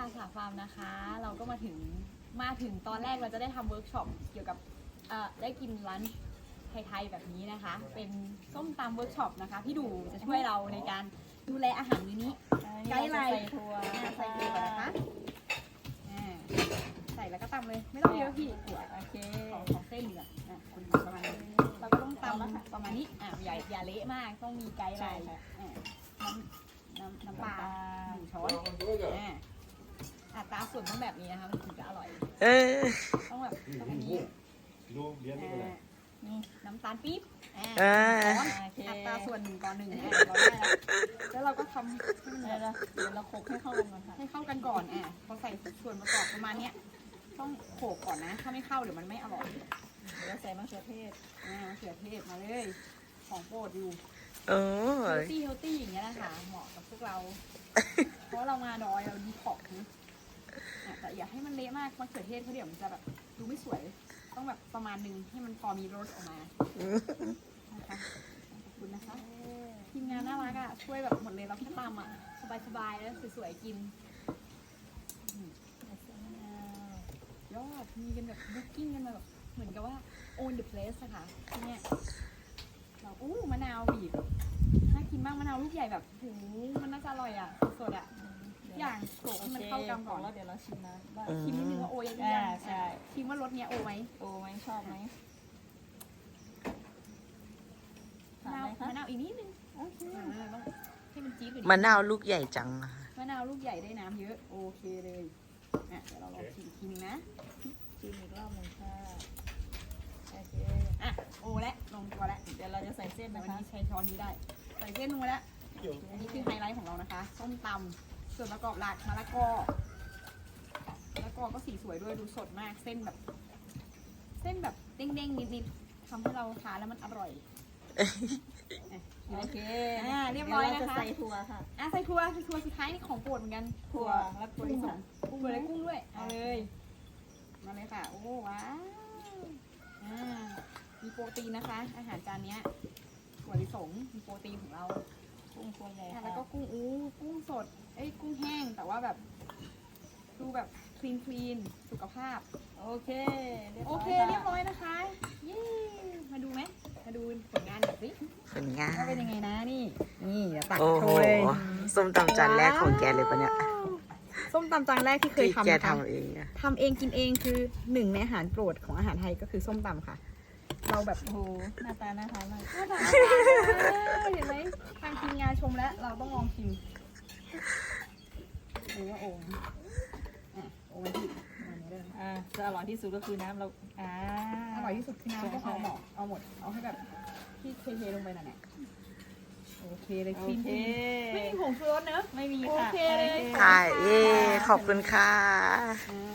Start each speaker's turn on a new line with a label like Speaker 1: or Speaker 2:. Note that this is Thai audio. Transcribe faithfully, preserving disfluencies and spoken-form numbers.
Speaker 1: อาสาฟาร์มนะคะ เราก็มาถึงมาถึงตอนแรกเราจะได้ทำเวิร์กช็อปเกี่ยวกับเอ่อได้กินลันช์ไทยๆแบบนี้นะคะ เป็นส้มตำเวิร์กช็อปนะคะพี่ดูจะช่วยเราในการดูแลอาหารมื้อนี้ไกด์ไลน์
Speaker 2: ใส่ถั่ว
Speaker 1: ใส่ถั่วนะคะอ่าใส่แล้วก็ตำเลยไม่ต้องเยอะพี่ถั่ว
Speaker 2: โอเค
Speaker 1: ของของเส้นเหลืองอ่ะคุณประมาณนี้เราก็ต้องตำประมาณนี้อ่ะอย่าอย่าเละมากต้องมีไกด์ไลน์อ่ะน้ำน้ำน้ำปลาหนึ่งช้อนอ่ะอัตราส่วนต้องแบบนี้นะคะมันถึงจะอร่อย
Speaker 3: เออ
Speaker 1: ต้องแบบต้องอันนี้
Speaker 4: ดูเลี้ยงนี่ก็ได้
Speaker 1: นี่น้ำตาลปี๊บอ่า
Speaker 3: อ่า
Speaker 1: ช้อนอัตราส่วนหนึ่งต่อหนึ่งอ่ะเราได้แล้วแล้วเราก็ทำให้มัน
Speaker 2: เดี๋ยวเราเดี๋ยวเราคลุกให้เข้ากันก่อนค่ะ
Speaker 1: ให้เข้ากันก่อนอ่ะพอใส่ส่วนประกอบประมาณเนี้ยต้องโขลกก่อนนะ ถ้าไม่เข้าเดี๋ยวมันไม่อร่อย
Speaker 2: เดี๋ยวเราใส่มะเขือเทศ
Speaker 1: อ่ามะเขือเทศมาเลยของโปรดอยู่
Speaker 3: โอ้
Speaker 1: เฮล
Speaker 3: ย
Speaker 1: ตี้เฮลตี้อย่างเงี้ยนะคะเหมาะกับพวกเรา เพราะเรามาดอยเราดีท็อกซ์นะอ่ะแต่อย่าให้มันเละมากมะเขือเทศเขาเดี๋ยวมันจะแบบดูไม่สวย ต้องแบบประมาณหนึงให้มันพอมีรสออกมานะคะขอบคุณนะคะทีมงานน่ารักอ่ะช่วยแบบหมดเลยเราแค่ตำอ่ะสบายๆแล้วสวยๆกินอืมยอดมีกันแบบบุ๊กกิ้งกันมาแบบเหมือนกับว่า own the place อะค่ะที่เนี่ยเราอู้มะนาวบีบน่ากินมากมะนาวลูกใหญ่แบบโหมันน่าจะอร่อยอ่ะสดๆอ่ะอย่างโขลกให้มันเข้ากันก่อน
Speaker 2: แล้วเดี๋ยวเราชิมน้ำบ้าง
Speaker 1: ชิมนิดนึงว่าโอยังไง
Speaker 2: อ่าใช่
Speaker 1: ชิมว่ารสเนี้ยโอไหม
Speaker 2: โอ้ไหมชอบไหม
Speaker 1: มะ
Speaker 2: ถาม
Speaker 1: นาว
Speaker 2: ไหมคะ
Speaker 1: มะนาวอีกนิดนึง
Speaker 2: โอเค
Speaker 1: อ่าต้องให้มันจี๊ดกว่า
Speaker 3: มะ
Speaker 1: นี้
Speaker 3: นาวลูกใหญ่จังอะ
Speaker 1: มะนาวลูกใหญ่ได้น้ำเยอะโอเคเลยอ่ะเดี๋ยวเราลองชิมอีกทีนึงนะ
Speaker 2: ชิมอีกรอบหนึ่งค่ะโอเค
Speaker 1: อ่ะโอและลงตัวแล้ว
Speaker 2: เดี๋ยวเราจะใส่เส้น
Speaker 1: แต่
Speaker 2: นะ
Speaker 1: วัน
Speaker 2: คะ
Speaker 1: นี้ใช้ช้อนนี้ได้ใส่เส้นลงไปแล้วอันนี้คือไฮไลท์ของเรานะคะส้มตำส่วนประกอบหลักมะละกอมะละกอก็สีสวยด้วยดูสดมากเส้นแบบ เส้นแบบเด้งๆนิดๆทำให้เราทานแล้วมันอร่อย
Speaker 2: โอเค
Speaker 1: อ่าเรียบร้อยนะคะ
Speaker 2: เดี๋วเาจใส่ถั่วค่ะ
Speaker 1: อ่ะใส่ถั่วใส่ถั่วสุดท้ายนี่ของโปรดเหมือนกัน
Speaker 2: ถั่วและกุ้ง
Speaker 1: ที่สอ
Speaker 2: ค่ะ
Speaker 1: งกุ้งเลยกุ้งด้วยเอาเลยมาเลยค่ะ โอ้ว้าวอ่ามีโปรตีนนะคะ อาหารจานเนี้ยถั่วลิสงมีโปรตีนของเรา
Speaker 2: กุ้งตัวใหญ่
Speaker 1: อ่ะ
Speaker 2: ค่ะ
Speaker 1: แล้วก็กุ้งอู้กุ้งสดเอ้ยกุ้งแห้งแต่ว่าแบบดูแบบคลีนคลีนสุขภาพ
Speaker 2: โอเครียบ
Speaker 1: โอ
Speaker 2: ร้อย
Speaker 1: เค
Speaker 2: ค่ะ
Speaker 1: เรียบร้อยนะคะเย้มาดูไหมมาดูผลงานหน่อยสิ
Speaker 3: ผลงาน
Speaker 1: ว่าเป็นยังไงนะนี่นี่เดี๋ยวตัก
Speaker 3: โอ้
Speaker 1: โช
Speaker 3: โห
Speaker 1: ว์เลย
Speaker 3: ส้มตำจานแรกของแกเลยปะเนี่ย
Speaker 1: ส้มตำจานแรกที่เคย
Speaker 3: ที่
Speaker 1: ทำ
Speaker 3: แก
Speaker 1: นะคะ
Speaker 3: ทำเองอะ
Speaker 1: ทำเองกินเองคือหนึ่งในอาหารโปรดของอาหารไทยก็คือส้มตำค่ะ เราแบบ
Speaker 2: โอ้โหหน้าตาน่าทานมาก
Speaker 1: น่าทานเห็นไหมทางทีมงานชมแล้วเราต้องลองชิมดูว่าโอ่งอ่ะโอ่งที่อันนี้เลย
Speaker 2: อ่าจะอร่อยที่สุดก็คือน้ำเราอ่า
Speaker 1: อร่อยที่สุดคือน้ำก็
Speaker 2: ใช่
Speaker 1: เอาหมดเอาหมดเอาให้แบบที่เทๆลงไปน่ะเนี่ยโอเคเลย
Speaker 2: โอ
Speaker 1: คลีน
Speaker 2: เค
Speaker 1: ไม่มีผงชูรสเนอะ
Speaker 2: ไม่มี
Speaker 1: โอ
Speaker 2: ค่ะ
Speaker 1: เคเลย
Speaker 3: ค่ะเย้ขอบคุณค่ะ
Speaker 1: อ่า